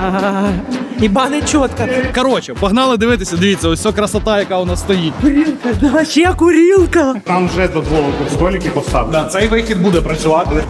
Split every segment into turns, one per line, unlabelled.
Ібане чітко.
Коротше, погнали дивитися, дивіться, ось ця красота, яка у нас стоїть.
Курілка, да, ще курілка.
Там вже дозволили столики поставити.
Да, цей вихід буде працювати.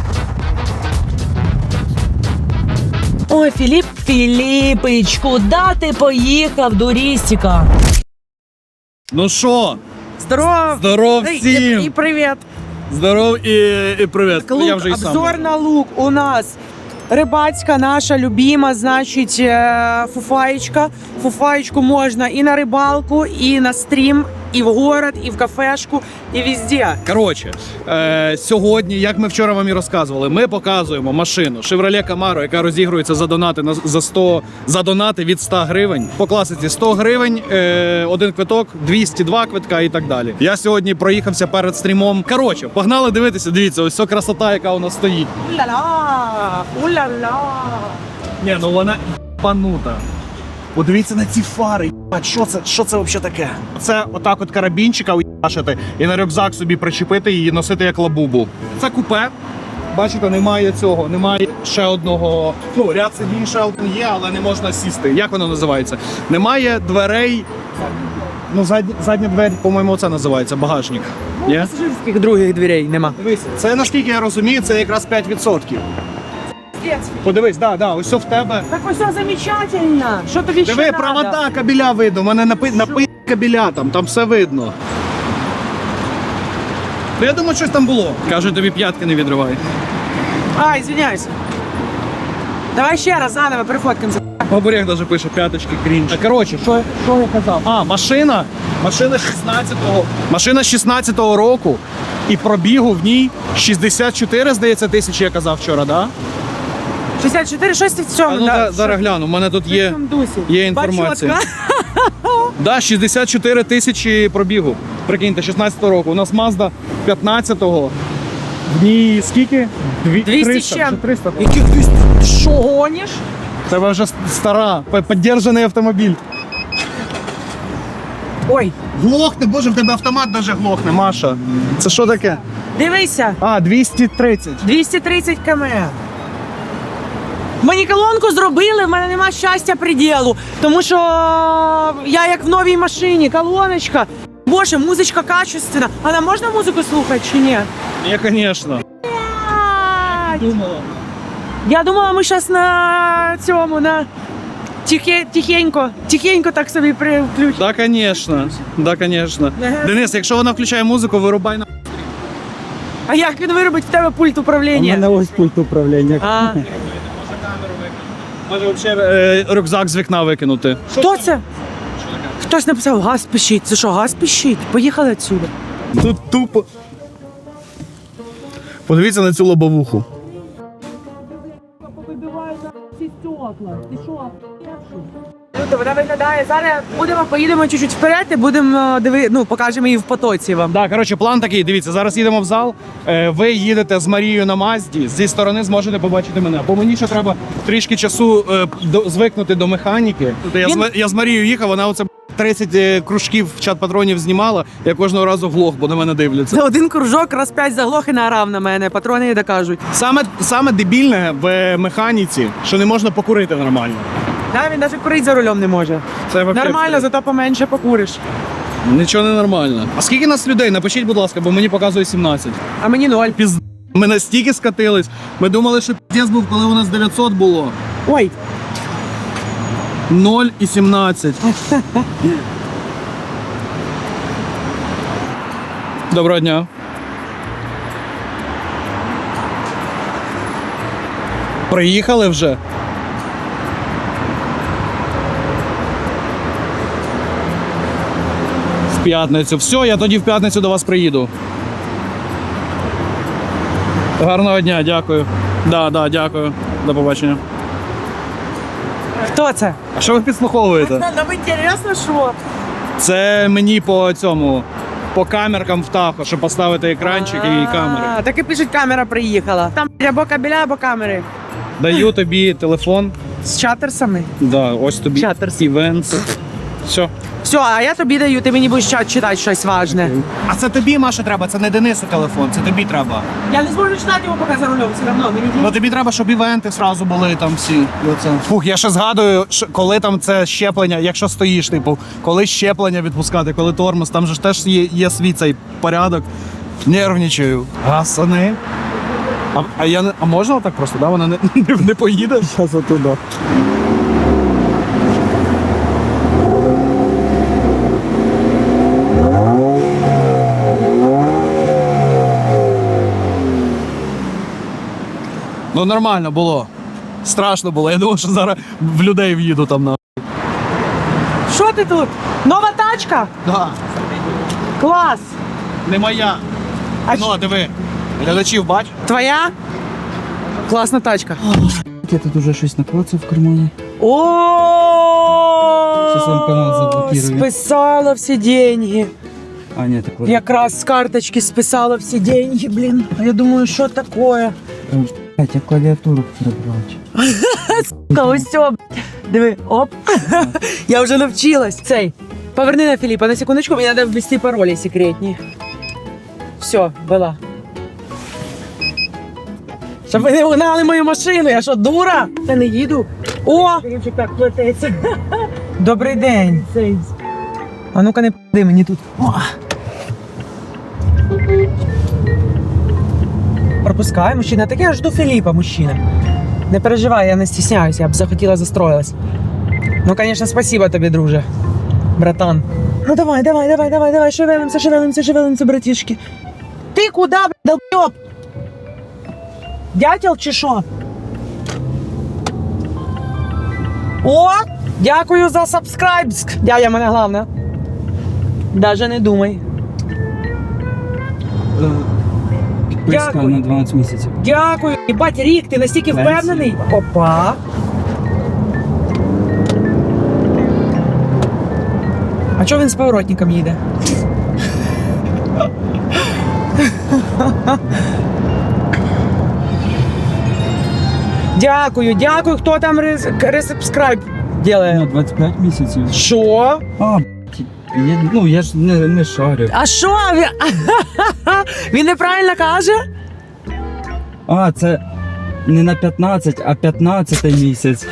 Ой, Філіп Філіпич, куди ти поїхав, дурістіка?
Ну що,
Здоров.
здоров всім!
І привіт.
Здоров і привіт.
Лук,
Я вже і сам.
обзор на лук у нас. Рибацька наша любима, значить, фуфаєчка. Фуфаєчку можна і на рибалку, і на стрім, і в город, і в кафешку, і везде.
Коротше, сьогодні, як ми вчора вам і розказували, ми показуємо машину Chevrolet Camaro, яка розігрується за донати від 100 гривень. По класиці 100 гривень, один квиток, 202 квитка і так далі. Я сьогодні проїхався перед стрімом. Коротше, погнали дивитися, дивіться, ось ця красота, яка у нас стоїть.
Уля-ла! Уля-ла!
Ні, ну вона панута. Подивіться на ці фари, що це взагалі таке? Це отак от карабінчика уїбашити і на рюкзак собі причепити і носити як лабубу. Це купе. Бачите, немає цього, немає ще одного. Ну, ряд сидінь ще один є, але не можна сісти. Як воно називається? Немає дверей. Ну, задня двері, по-моєму, це називається багажник. Є?
Пасажирських других дверей нема.
Дивися, це, наскільки я розумію, це якраз 5%. Подивись, да, ось все в тебе.
Так ось все замечательно. Що тобі ще
Диви,
надо?
провода кабеля видно, у мене напи кабеля там все видно. Ну, я думаю, щось там було. Каже, тобі п'ятки не відривай.
А, извиняюсь. Давай ще раз заново перефоткаємося.
Бабурєх навіть пише п'яточки крінж. Коротше, що я казав? А, машина 16-го року і пробігу в ній 64, здається, тисячі, я казав вчора, да?
64, щось в цьому,
Ну,
да.
зараз гляну, у мене тут є інформація.
Бачотка.
Да, 64 тисячі пробігу. Прикиньте, 16-го року. У нас Mazda 15-го. В ній скільки?
200
300,
чим?
чи 300?
Яких 200? Ти що, гониш?
Це вже стара, піддержаний автомобіль.
Ой,
Глохне, боже, в тебе автомат навіть глохне, Маша. Це що таке?
дивися.
А, 230.
230 км. Мені колонку зробили, в мене нема щастя приділу. Тому що я як в новій машині, колоночка. Боже, музичка качественна. А нам можна музику слухати чи ні?
Ні, звісно. Думала.
Я думала, ми зараз на цьому, на тихенько так собі включимо.
Да, звісно. Да, звісно. Денис, якщо вона включає музику, вирубай на...
А як він виробить в тебе пульт управління?
ось пульт управління.
А,
Може, взагалі рюкзак з вікна викинути.
хто це? Хтось написав, газ пищить. Це що, газ пищить? Поїхали відсюди.
Тут тупо. Подивіться на цю лобовуху.
Вона виглядає. Зараз поїдемо чуть-чуть вперед і будемо покажемо її в потоці вам.
Так, коротше, план такий, дивіться, зараз їдемо в зал, ви їдете з Марією на Мазді, зі сторони зможете побачити мене. Бо мені ще треба трішки часу звикнути до механіки. Я з Марією їхав, вона оце 30 кружків в чат патронів знімала, я кожного разу влог, бо на мене дивляться.
За один кружок раз 5 заглох і наорав на мене, патрони не докажуть.
Саме дебільне в механіці, що не можна покурити нормально.
Да, він навіть курити за рулем не може.
Це вообще
Нормально, зато поменше покуриш.
Нічого не нормально. А скільки нас людей? Напишіть, будь ласка, бо мені показує 17.
А мені 0.
Ми настільки скатились. Ми думали, що піздець був, коли у нас 900 було.
Ой,
0 і 17. Доброго дня. Приїхали вже? В п'ятницю. Все, я тоді в п'ятницю до вас приїду. Гарного дня, дякую. Да, дякую. До побачення.
хто це?
А що ви підслуховуєте?
Нам інтересно, що?
Це мені по камеркам в Тахо, щоб поставити екранчик і камери.
Так і пишуть, камера приїхала. Там або кабеля, або камери.
Даю тобі телефон.
З чатерсами.
Да, ось тобі
Чатерс.
івент. Все.
Все, а я тобі даю, ти мені будеш читати щось важне.
А це тобі, Маша, треба, це не Денису телефон, це тобі треба.
Я не зможу читати його поки за рулем, все одно.
Ну тобі треба, щоб івенти зразу були там всі. І оце. Фух, я ще згадую, коли там це щеплення, якщо стоїш, типу, коли щеплення відпускати, коли тормоз, там же ж теж є свій цей порядок. Нервничаю. Гасани. А можна отак просто, да? Вона не поїде? Зараз отуда. Ну нормально було. Страшно було. Я думав, що зараз в людей в'їду там на.
Що ти тут? Нова тачка?
Да.
Клас!
Не моя.
А
Ну, диви. Глядачів бач.
Твоя? Класна тачка.
Я тут уже щось наклацав в кармані.
О,
Щас вам канал заблокирую.
списала всі деньги.
А, ні, так ладно.
Якраз з карточки списала всі деньги, блін. А я думаю, що таке?
Я клавіатуру перебрати.
Ось все, диви, оп. Я вже навчилась. Цей, поверни на Філіпа на секундочку, мені треба ввести паролі секретні. Все, була. Щоб ви не угнали мою машину, я що, дура? Я не їду. О! Так плететься. Добрий день. А ну-ка не п***ди мені тут. О! Пропускай, мужчина. Так я жду Філіпа, мужчина. Не переживай, я не стісняюся, я б захотіла застроїлась. Ну, конечно, спасибо тобі, друже. Братан. Ну давай, шевелимся, братішки. Ти куди, долбьоб? Дятел чи що? О, дякую за сабскрайбск. Дядя мене головне. Даже не думай.
Підписка
Дякую.
на 12 місяців.
Дякую. Єбать, Рік, ти настільки впевнений? Опа. А чого він з поворотником їде? Дякую. Хто там ресубскрайб
На
делає?
25 місяців.
Що?
А, я ж не шарю.
А що? Він неправильно каже?
А, це не на 15, а 15 місяць.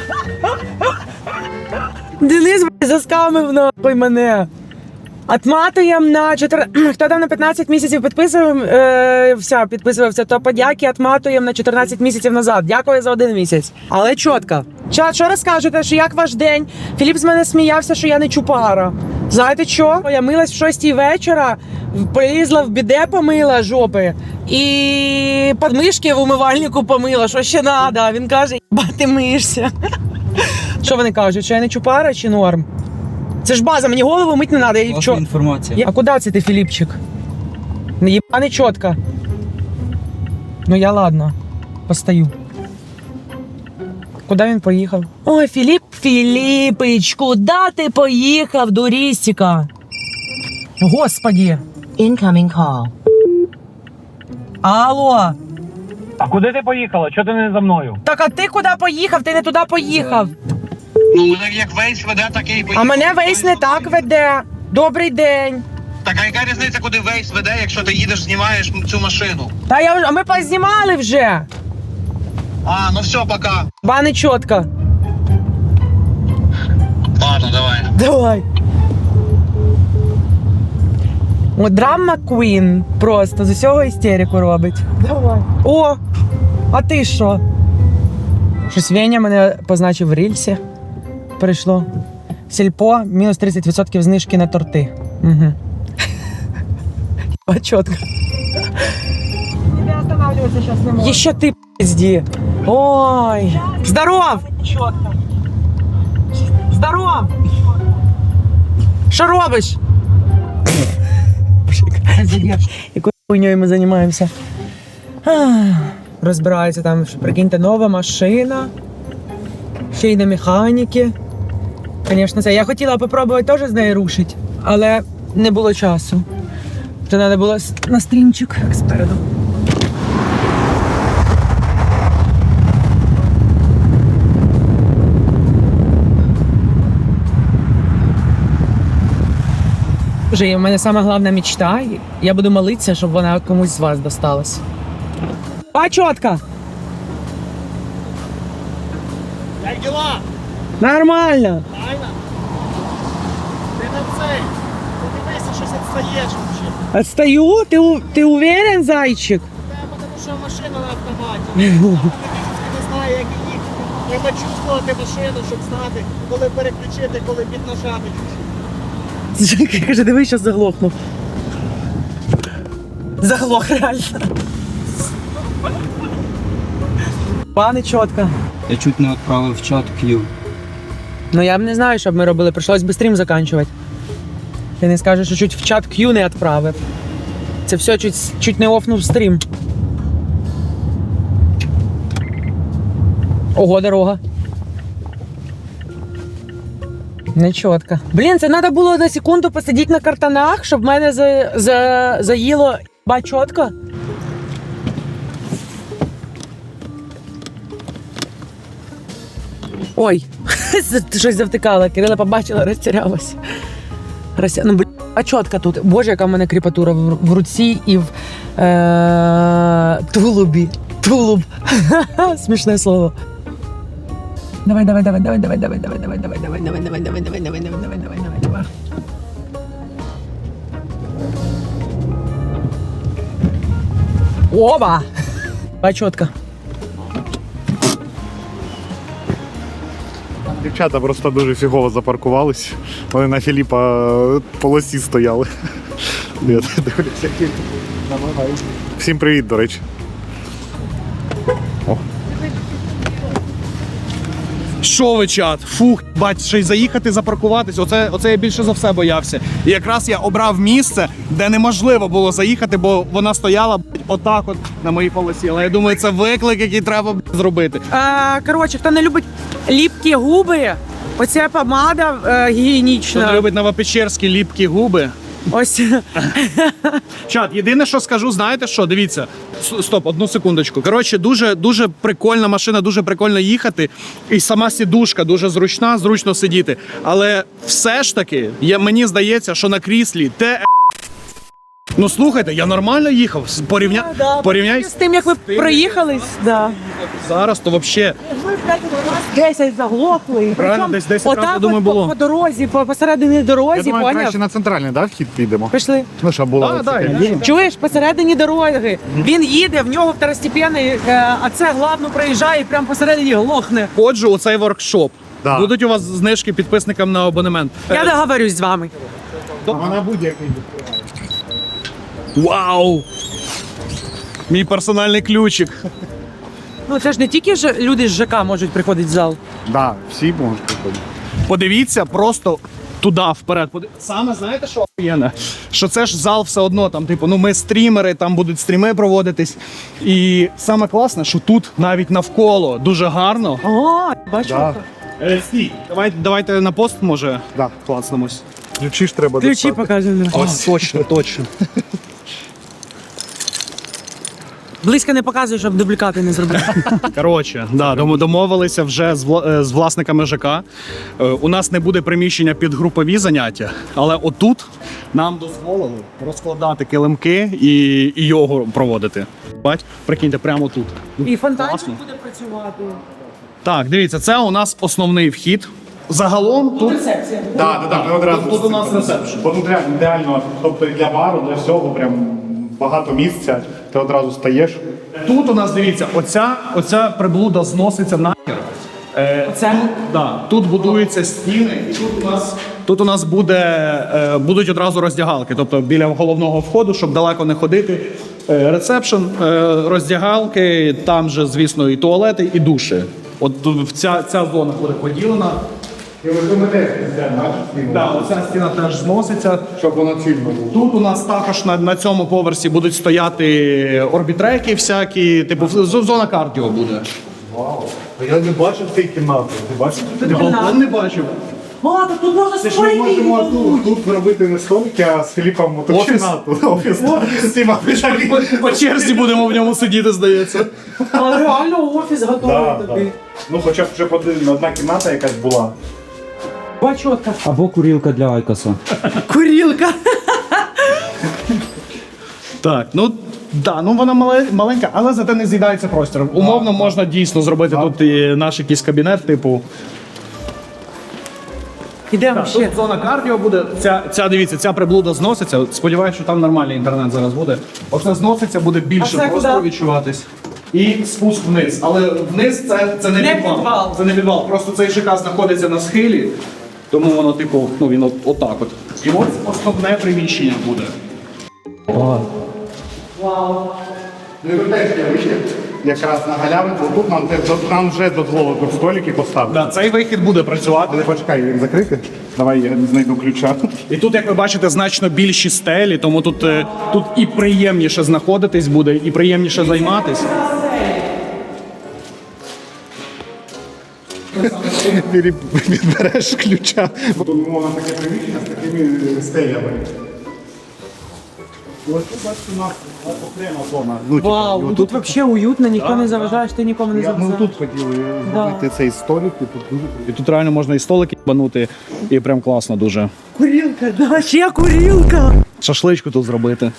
Денис, блядь, заскамив нахуй мене. Отматуємо на 4... Хто там на 15 місяців підписувався, то подяки отматуємо на 14 місяців назад. Дякую за 1 місяць. Але чітко. Чат, що розкажете, що як ваш день? Філіп з мене сміявся, що я не чупара. Знаєте що? Я милась в 6 вечора, полізла в біде, помила жопи. І подмишки в умивальнику помила. Що ще треба? Він каже, ба, ти миєшся. Що вони кажуть, що я не чупара чи норм? Це ж база, мені голову мить не треба. Я
Класна інформація.
А куди це ти, Філіпчик? Не єбане чітко. Ну я ладно, постою. Куди він поїхав? Ой, Філіпич, куди ти поїхав, дурістіка? Господі.
Incoming call.
Алло.
А куди ти поїхала? Чого ти не за мною?
Так а ти куди поїхав? Ти не туди поїхав.
Ну, мене як Вейс веде, так і поїхав.
А мене Вейс не так веде. Добрий день.
Так, а яка різниця, куди Вейс веде, якщо ти їдеш, знімаєш цю машину?
Та я вже, а ми познімали вже.
А, ну все, пока.
Ба не чітко.
Ладно, давай.
Давай. О, драма Queen просто з усього істерику робить. Давай. О, а ти що? Щось Веня мене позначив в рільсі. Прийшло. Сільпо, мінус 30% знижки на торти. Угу. Чітко. Не останавливайся зараз не можу. Ще ти, пизді. Ой. Здоров! Здоров! Що робиш? Якою хуйньою ми займаємося? Розбирається там, прикиньте, нова машина. Ще й на механіки. Звісно, це. Я хотіла попробувати теж з нею рушити, але не було часу. Це треба було на стрімчик спереду. Вже в мене сама головна мечта. Я буду молитися, щоб вона комусь з вас досталась. А чотка!
Як діла?
Нормально!
Правильно? Ти на цей. Ти дивися, щось відстаєш взагалі.
Отстаю? Ти уверен, зайчик?
Тому що машина на автоматі. Не знаю, як їхати. Треба чувствувати машину, щоб знати, коли переключити, коли піднажати.
Каже, дивись, зараз заглохнув. Заглох, реально. Пане чотка.
Я чуть не відправив в чат Q.
Ну я б не знаю, що б ми робили. Прийшлось би стрім закінчувати. Ти не скажеш, що чуть в чат Q не відправив. Це все чуть не офнув стрім. Ого, дорога. Не чітко. Блін, це треба було на секунду посидіти на картонах, щоб мене заїло ба чітко. Ой, щось завтикала. Кирила побачила, розтірялася. Ну, блін, а чітко тут. Боже, яка в мене кріпатура в руці і в тулубі. Тулуб. Смішне слово. Давай. Оба! А чітко.
Дівчата просто дуже фігово запаркувались. Вони на Філіпа полосі стояли. Я дивлюся, які намагаються. Всім привіт, до речі.
Що ви, чат? Фух, бать, ще й заїхати, запаркуватись. Оце я більше за все боявся. І якраз я обрав місце, де неможливо було заїхати, бо вона стояла отак от на моїй полосі. Але я думаю, це виклик, який треба зробити.
Коротше, хто не любить ліпкі губи, оця помада
Хто
гігієнічна.
не любить новопечерські ліпкі губи.
Ось.
Чат, єдине, що скажу, знаєте що? Дивіться. Стоп, одну секундочку. Коротше, дуже прикольна машина, дуже прикольно їхати. І сама сідушка дуже зручна, зручно сидіти. Але все ж таки, мені здається, що на кріслі те. Ну слухайте, я нормально їхав. Порівняй
З тим, як ви проїхались, да.
зараз, то взагалі.
10 заглохли.
Правильно, десь 10 разів, я думаю, було.
По дорозі, посередині дорозі,
Я думаю,
поняв?
краще на центральний, да, вхід підемо?
Пішли.
Ну, щоб була
Чуєш, посередині дороги. Він їде, в нього второстепенний, а це главно проїжджає і прямо посередині глохне.
Ходжу у цей воркшоп.
Да.
Будуть у вас знижки підписникам на абонемент.
Я договорюсь з вами.
Вона будь-який.
Вау! Мій персональний ключик.
Ну це ж не тільки люди з ЖК можуть приходити в зал.
Да, всі можуть приходити.
Подивіться просто туди, вперед. Саме знаєте, що охуєнне? Що це ж зал все одно, там, типу, ну ми стрімери, там будуть стріми проводитись. І саме класне, що тут навіть навколо дуже гарно.
О, бачу.
Да.
Стій, давайте на пост, може,
Да.
клацнемось.
Ключі ж треба
Ключі
достати.
покажемо.
Ось, точно.
Близько не показуй, щоб дублікати не зробити.
Коротше, да, домовилися вже з власниками ЖК. У нас не буде приміщення під групові заняття, але отут нам дозволили розкладати килимки і йогу проводити. Бать, прикиньте, прямо тут.
І фонтанчик
Класно.
буде працювати.
Так, дивіться, це у нас основний вхід. Загалом тут
Рецепція.
Так, ми одразу.
Тут у нас ресепшн.
Бо тут реально ідеально, тобто і для бару, для всього, прям багато місця. Ти одразу стаєш.
Тут у нас, дивіться, оця приблуда зноситься нахер.
Оце?
Да, тут будуються стіни, і тут у нас будуть одразу роздягалки. Тобто біля головного входу, щоб далеко не ходити. Ресепшн, роздягалки, там же, звісно, і туалети, і душі. От тут ця зона буде поділена.
І ви теж бачите?
Да, оця стіна теж зноситься.
Щоб воно цільно було.
Тут у нас також на цьому поверсі будуть стояти орбітреки всякі, типу зона кардіо буде.
Вау. Я не бачив цієї кімнати. Ти бачив?
Ти балкон не бачив?
О, так тут можна
Це ж ми можемо тут робити не столики, а з Філіпом мотокінату. Офіс. Всіма
По черзі будемо в ньому сидіти, здається.
Але реально офіс готовий тобі.
Ну хоча б вже одна кімната якась була.
Бачотка.
Або курілка для Айкоса.
Курілка.
Так, ну да, ну вона маленька, але зате не з'їдається простір. Умовно можна дійсно зробити тут і наш якийсь кабінет, типу.
Ідемо ще.
Тут зона кардіо буде. Дивіться, ця приблуда зноситься. Сподіваюся, що там нормальний інтернет зараз буде. Оце зноситься, буде більше
це
простору
куди?
відчуватись. І спуск вниз. Але вниз це не
Не
підвал.
підвал.
Це не підвал. Просто цей ЖК знаходиться на схилі, тому воно, типу, ну він отак от. І ось основне приміщення буде.
Ну і ви теж є вихід якраз на галявинку. Тут нам вже дозволили тут столики поставити.
Да, цей вихід буде працювати.
Але почекай, він закритий. Давай я знайду ключа.
І тут, як ви бачите, значно більші стелі, тому тут і приємніше знаходитись буде, і приємніше займатись.
Відбереш ключа. Тут умовно таке приміщення з такими стелями. Ось тут бачите, у нас окрема зона. Ну, типу,
Вау, ну тут взагалі уютно, ніхто не заважаєш, ти нікому не
ми
заважаєш.
тут хотіли зробити цей столик, і тут дуже
І тут реально можна і столики банути, і прям класно дуже.
Курілка, да, ще курілка.
Шашличку тут зробити.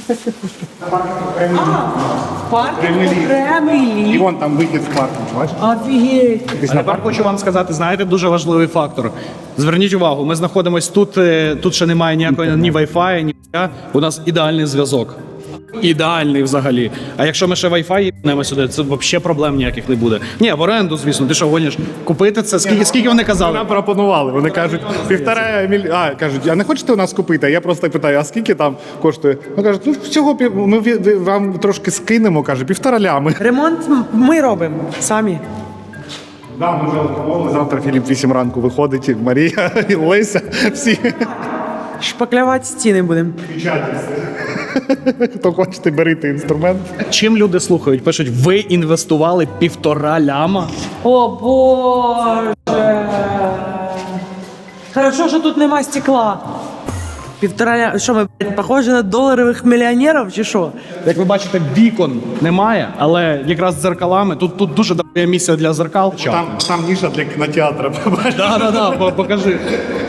Паркінг
і
окремий.
вон там вихід з парку, бачиш?
Офігеть.
А тепер хочу вам сказати, знаєте, дуже важливий фактор. Зверніть увагу, ми знаходимося тут, тут ще немає ніякої ні Wi-Fi, ні я. У нас ідеальний зв'язок. Ідеальний взагалі. А якщо ми ще Wi-Fi їбнемо сюди, це взагалі проблем ніяких не буде. Ні, в оренду, звісно, ти що гониш? Купити це? Скільки вони казали?
Нам пропонували. Вони кажуть, 1,5 мільйона. А, кажуть, а не хочете у нас купити? А я просто питаю, а скільки там коштує? Ну кажуть, ну всього ми вам трошки скинемо, каже, 1,5 лями.
Ремонт ми робимо самі.
Да, ми вже готові. Завтра Філіп 8 ранку виходить, і Марія, і Леся, всі
Шпаклювати стіни будемо.
печатаються. Хто хочете, берите інструмент.
Чим люди слухають? Пишуть, ви інвестували 1,5 ляма?
О Боже. Хорошо, що тут нема стекла. 1,5 що ми, блядь, похожі на доларових мільйонерів чи що?
Як ви бачите, вікон немає, але якраз з дзеркалами. Тут дуже добре місце для зеркал.
Там ніша для кінотеатру.
Да, покажи.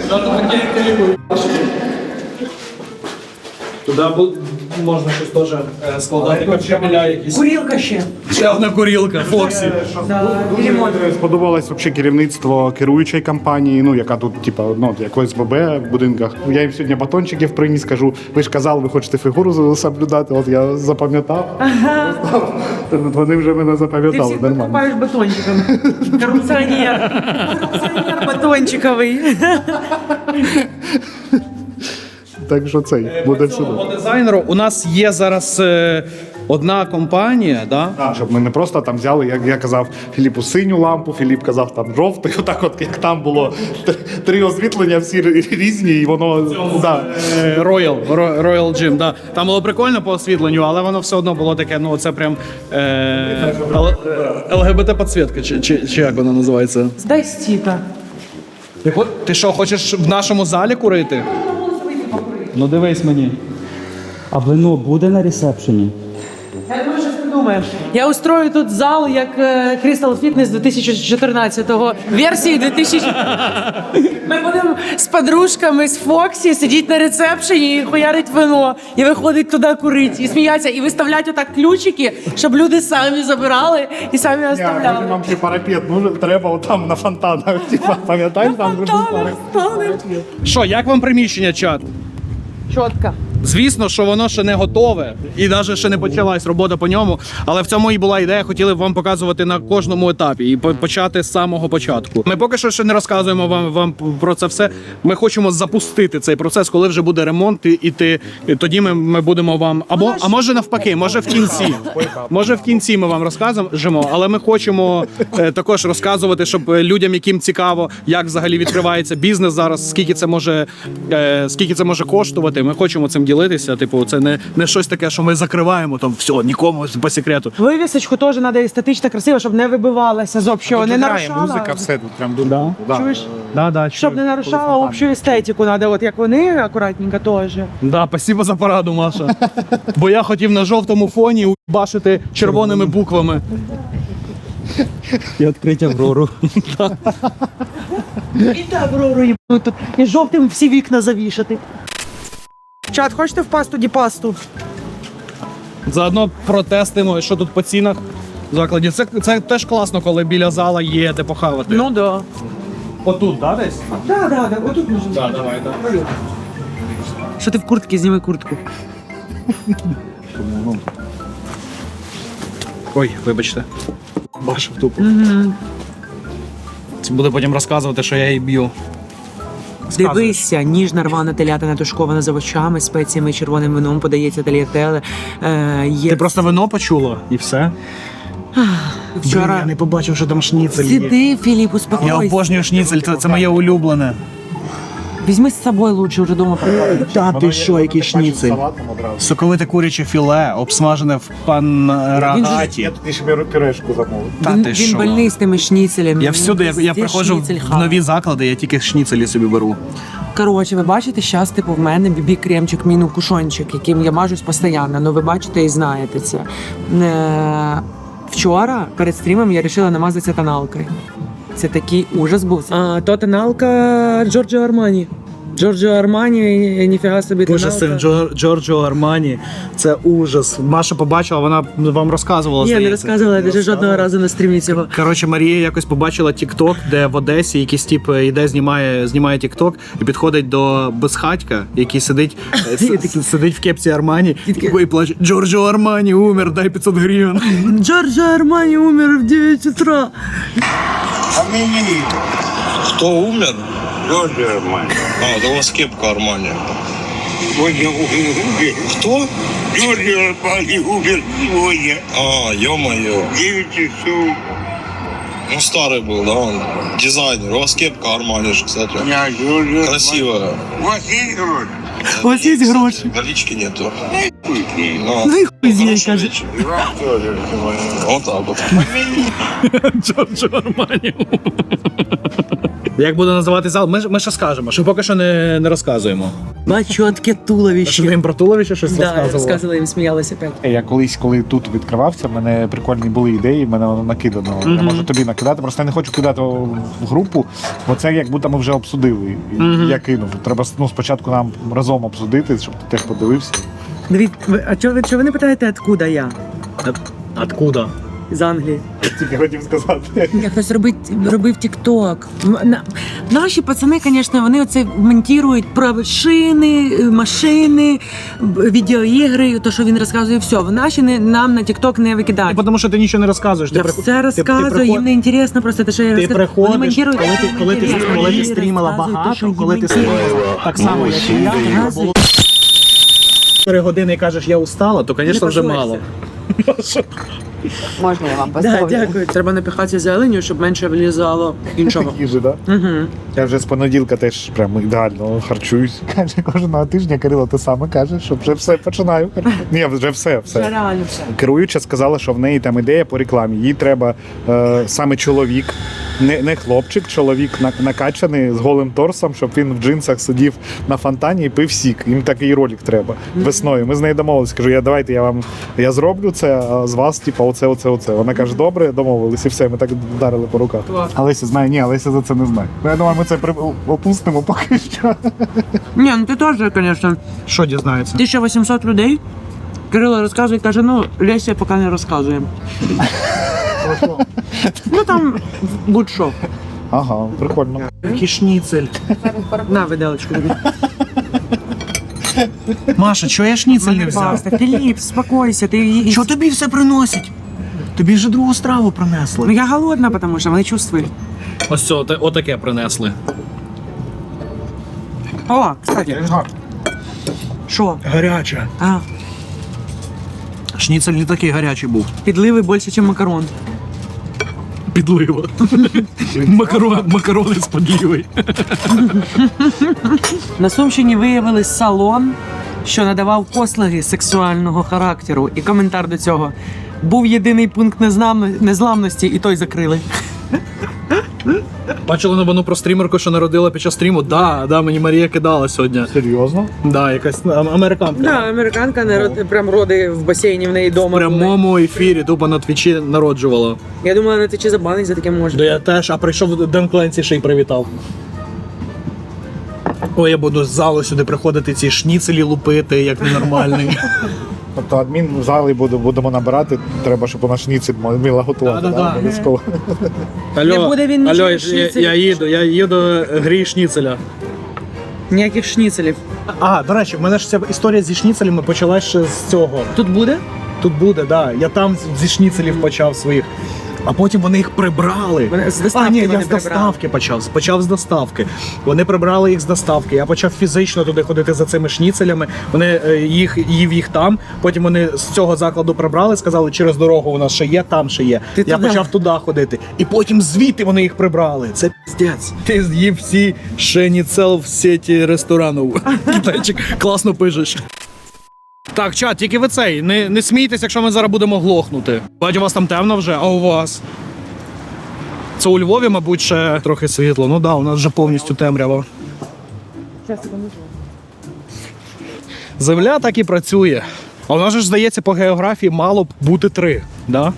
Туди можна щось теж складати. Кабеля якісь.
Курілка ще.
Ще одна курілка, Фоксі.
Дуже сподобалось вообще керівництво керуючої компанії, ну яка тут, типа, ну, як ОСББ в будинках. Я їм сьогодні батончиків приніс, кажу, ви ж казали, ви хочете фігуру соблюдати, от я запам'ятав. Вони вже мене
Ти
запам'ятали,
всіх
нормально.
покупаєш батончиками. Корупціонер. Корупціонер батончиковий.
Так що цей буде все.
По дизайнеру у нас є зараз одна компанія, да?
Так, щоб ми не просто там взяли, як я казав Філіпу, синю лампу, Філіп казав там жовтий, отак от як там було 3 освітлення, всі різні, і воно да.
Royal Gym, да. Там було прикольно по освітленню, але воно все одно було таке, ну це прям ЛГБТ-підсвітка, чи як вона називається?
Дай стіка.
Ти що, хочеш в нашому залі курити? Ну дивись мені.
А вино буде на ресепшені?
Я думаю, що ти думаєш. Я устрою тут зал, як Crystal Fitness 2014-го, версії 2000. Ми будемо з подружками, з Фоксі сидіти на ресепшені і хуярить вино, і виходить туди курити, і сміятися, і виставляти отак ключики, щоб люди самі забирали і самі оставляли.
Нам ще парапет, ну треба отам на фонтанах, типа, пам'ятаєш, там вже був парапет.
Що, як вам приміщення, чат?
Чітко.
Звісно, що воно ще не готове і навіть ще не почалась робота по ньому. Але в цьому і була ідея, хотіли б вам показувати на кожному етапі і почати з самого початку. Ми поки що ще не розказуємо вам про це все. Ми хочемо запустити цей процес, коли вже буде ремонт, і тоді ми будемо вам а може навпаки, може в кінці. Може в кінці ми вам розкажемо, але ми хочемо також розказувати, щоб людям, яким цікаво, як взагалі відкривається бізнес зараз, скільки це може коштувати. Ми хочемо цим ділитися. Типу, це не щось таке, що ми закриваємо там все, нікому по секрету.
Вивісочку теж треба естетично красиво, щоб не вибивалася з общого, не нарушала.
Музика, все тут прям дуже.
Да.
Чуєш?
Да,
Щоб не нарушала общу естетику, треба, от як вони, акуратненько теж.
Да, спасибо за пораду, Маша. Бо я хотів на жовтому фоні убашити червоними буквами.
І відкрити Аврору.
І таврору їбуть тут. І жовтим всі вікна завішати. Чат, хочете в пасту діпасту?
Заодно протестимо, що тут по цінах в закладі. Це теж класно, коли біля зала є де похавати.
Ну да.
Отут, да, десь?
Да, отут можна.
Да, давай, так.
Що ти в куртці? Зніми куртку.
Ой, вибачте. Бачив тупо. Це буде потім розказувати, що я її б'ю.
Дивися, ніжна рвана телятина тушкована з овочами, спеціями, червоним вином, подається тельятеле. Є...
Ти просто вино почула і все?
Вчора...
Я не побачив, що там шніцель є.
Сиди, Філіп,
Я
успокойся.
обожнюю шніцель, це моє улюблене.
Візьми з собою лучше, вже дома приготуй.
Та ти що, який шніцель?
Салатом одразу.
Соковите куряче філе, обсмажене в панрагаті.
Я тут ще пюрешку замовив.
Та
Він
ти що?
больний з тими шніцелями.
Я всюди, я
Везде
приходжу
шніцель
в
хаває.
нові заклади, я тільки шніцелі собі беру.
Коротше, ви бачите, зараз, типу, в мене бібі-кремчик, міну-кушончик, яким я мажусь постійно. Ну, ви бачите і знаєте це. Вчора перед стрімом я вирішила намазатися тоналкою. Це такий ужас був. А то тоналка Джорджо Армані. Джорджо Армані, ніфіга собі
Боже, з цим Джорджо Армані, це ужас. Маша побачила, вона вам розказувала,
Ні, не
здається.
розказувала, я навіть жодного разу на стрімі цього.
Коротше, Марія якось побачила TikTok, де в Одесі якийсь тип іде, знімає TikTok і підходить до безхатька, який сидить в кепці Армані і плаче: Джорджо Армані умер, дай 500 гривень.
Джорджо Армані умер в 9 утра.
Хто умер? Джорджо Армані. А, то у вас кепка Армані. Кто?
Джорджо Армани умер сегодня.
А, ё-моё.
9 часов.
Ну, старый был, да, он дизайнер. У вас кепка Армани же, кстати.
Я Джорджо
Красивая.
У вас есть гроши?
У вас є гроші?
Налички нету.
Пусть.
Ну,
Ну і хуй з нею,
хорошего
каже.
вечера.
И вам тоже.
Вот так вот.
Джорджо Армані. Як буде називати зал? Ми ще скажемо, що поки що не розказуємо.
Бач, чотке
Що ти
туловище.
їм про туловище щось
Да,
розказував?
розказувала, їм сміялася опять.
Я колись, коли тут відкривався, в мене прикольні були ідеї, в мене воно накидано. Я можу тобі накидати, просто я не хочу кидати в групу, бо це як будто ми вже обсудили. І я кинув. Треба спочатку нам разом обсудити, щоб ти теж подивився.
Дивіться, а чого ви не питаєте, откуда я?
Откуда?
З Англії.
Тільки хотів сказати.
Я хтось робив тік-ток. Наші пацани, звісно, вони оце монтують про шини, машини, відеоігри, то, що він розказує, все. Наші нам на тік-ток не викидають.
Тому що ти нічого не розказуєш.
Я все розказую, їм не інтересно просто те, що я
Ти
розказую.
приходиш,
Вони монтують,
коли ти
вони
стрімила
розказують те, що
багато, коли ти
їм
стрімила так само, як і я,
інтересно.
4 години і кажеш, я устала, то, звісно, вже мало.
Можна я вам
Да,
поставлю?
дякую. Треба напихатися зеленю, щоб менше влізало іншого.
Їжі, так?
Угу.
Я вже з понеділка теж прямо ідеально харчуюсь. Каже, кожного тижня Кирило те саме каже, що вже все починаю. Ні, вже все.
Реально все.
Керуюча сказала, що в неї там ідея по рекламі. Їй треба саме чоловік, не хлопчик, чоловік накачаний з голим торсом, щоб він в джинсах сидів на фонтані і пив сік. Їм такий ролик треба весною. Ми з нею домовилися. Кажу, давайте я зроблю це, а з вас, типу, оце. Вона каже, добре, домовились, і все, ми так вдарили по руках.
Клас.
Олеся знає, ні, Олеся за це не знає. Ну, я думаю, ми це опустимо поки що.
Ні, ну ти теж, звісно.
Що дізнається?
1800 людей. Кирило розказує, каже, ну, Леся поки не розказує. Ну там будь-що.
Ага, прикольно.
Який шніцель.
На, виделочку тобі.
Маша, чого я шніцель не взяв?
Паста. Філіп, спокойся, ти її.
Що тобі все приносять? Тобі вже другу страву
Ну
принесли.
я голодна, тому що вони чувствують.
Ось це, отаке принесли.
О, кстати. Що?
Гаряче.
А,
Шніцель не такий гарячий був.
підливи більше, ніж макарон.
Підлива. Макарони з підливою.
На Сумщині виявили салон, що надавав послуги сексуального характеру. І коментар до цього. Був єдиний пункт незламності, і той закрили.
Бачили новину про стрімерку, що народила під час стріму? Да, мені Марія кидала сьогодні.
Серйозно?
Да, якась американка.
Да, американка прям роди в басейні в неї
В
вдома.
прямому ефірі тупо на твічі народжувала.
Я думала, на Твічі забанить за таке
Да
може.
я теж, а прийшов Ден Кленсі ще й привітав. Ой, я буду з залу сюди приходити ці шніцелі лупити, як ненормальний.
Тобто адмін в залі будемо набирати, треба, щоб у нас шніцель мила готувати.
Да-да-да.
Обов'язково.
Не буде він нічого
я їду грій шніцеля.
Ніяких шніцелів.
А, до речі, в мене ж ця історія зі шніцелями почалась ще з цього.
Тут буде?
Тут буде, да. Я там зі шніцелів почав своїх. А потім вони їх прибрали.
Вони з доставки
А, ні,
вони
я з
прибрали.
доставки почав з доставки. Вони прибрали їх з доставки. Я почав фізично туди ходити за цими шніцелями. Вони їв їх там. Потім вони з цього закладу прибрали, сказали, через дорогу у нас ще є, там ще є.
Ти
Я
туди.
почав туди ходити. І потім звідти вони їх прибрали. Це піздець. Ти з'їв всі шніцел в сеті ресторанів. Китайчик, класно пишеш. Так, чат, тільки ви цей, не смійтесь, якщо ми зараз будемо глохнути. Бачу, у вас там темно вже, а у вас? Це у Львові, мабуть, ще трохи світло. Ну да, у нас вже повністю темрява. Земля так і працює. А у нас же ж, здається, по географії мало б бути 3, да?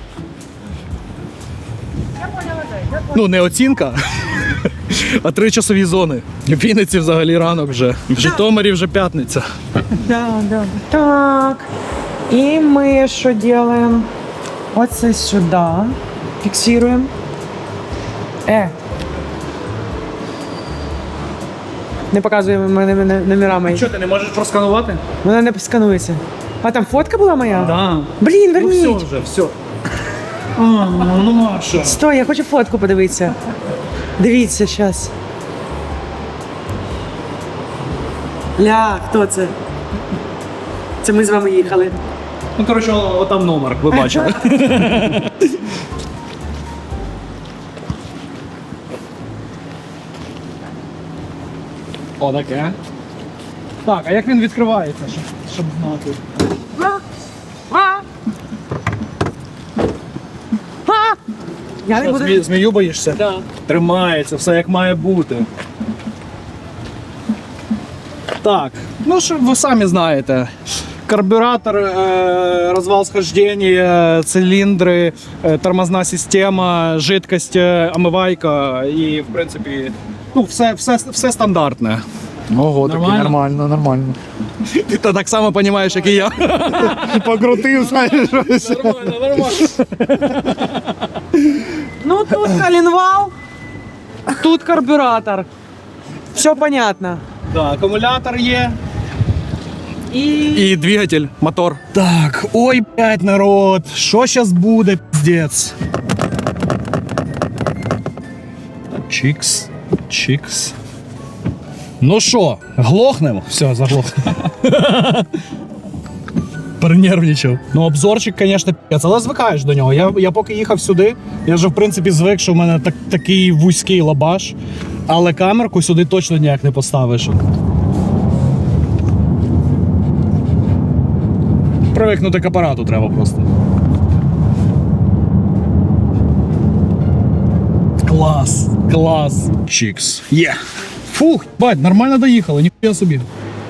Ну, не оцінка, а 3 часові зони. В Вінниці взагалі ранок вже. В Житомирі вже п'ятниця.
Да. Так. І ми що робимо? Оце сюди. Фіксуємо. Не показуємо мене номера мої.
Що, ти не можеш просканувати?
Вона не сканується. А там фотка була моя?
Да.
Блін,
Ну
верніть.
все вже, все. А, ну Маша.
Стой, я хочу фотку подивитися. Дивіться зараз. Ля, хто це? Це ми з вами їхали.
Ну, коротше, отам номер, ви бачили. О, таке. Так, а як він відкривається, щоб знати?
Я не
Що,
буду.
змію боїшся?
Да.
Тримається, все як має бути. Так, ну що ви самі знаєте. Карбюратор, розвал схождения, циліндри, тормозна система, жидкость, омивайка і, в принципі, ну, все стандартне.
Ого, таки
Нормально?
нормально.
Ти то так само розумієш, як і я.
Покрутив, знаєш, щось.
Нормально.
Ну тут коленвал, тут карбюратор. Все понятно.
Да, акумулятор є.
І
І двигатель, мотор. Так, ой, блядь, народ, що зараз буде, піздець? Чікс, чікс. Ну що, глохнемо? Все, заглохнемо. Перенервничав. Ну, обзорчик, звісно, п'єць, але звикаєш до нього. Я поки їхав сюди, я вже, в принципі, звик, що в мене такий вузький лабаш, але камерку сюди точно ніяк не поставиш. Привикнути к апарату треба просто. Клас, клас. Чікс. Є. Фух, бать, нормально доїхали, ніхуя собі.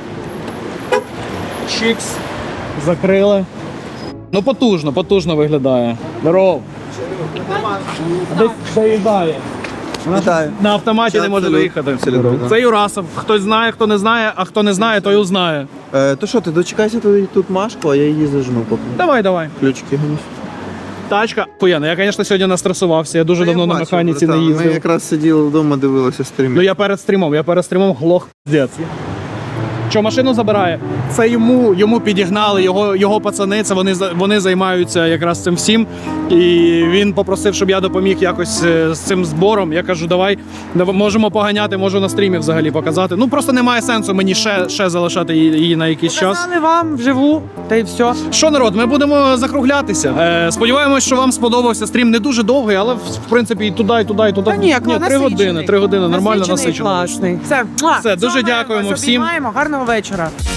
Чікс. Закрили. Ну потужно виглядає. Здоров. Десь доїжджає.
Вітаю.
На автоматі не може доїхати. Це Юрасов. Хтось знає, хто не знає, а хто не знає, той узнає.
То що, ти дочекайся тут Машку, а я її зажму поки.
Давай.
Ключики ганіш.
Тачка. Хуяна, я, звісно, сьогодні настресувався. Я дуже давно на механіці не їздив.
Ми якраз сиділи вдома, дивилися стрім.
Ну я перед стрімом глох піздець. Що машину забирає? Це йому підігнали, його пацани, це вони займаються якраз цим всім. І він попросив, щоб я допоміг якось з цим збором. Я кажу, давай можемо поганяти, можу на стрімі взагалі показати. Ну просто немає сенсу мені ще залишати її на якийсь час.
показали вам вживу, та й все.
Що, народ, ми будемо закруглятися. Сподіваємось, що вам сподобався стрім. Не дуже довгий, але в принципі і туди.
Та ні,
3 години, нормально
насичений і
насичено.
класний.
Все, дуже дякуємо всім.
Гарного вечора.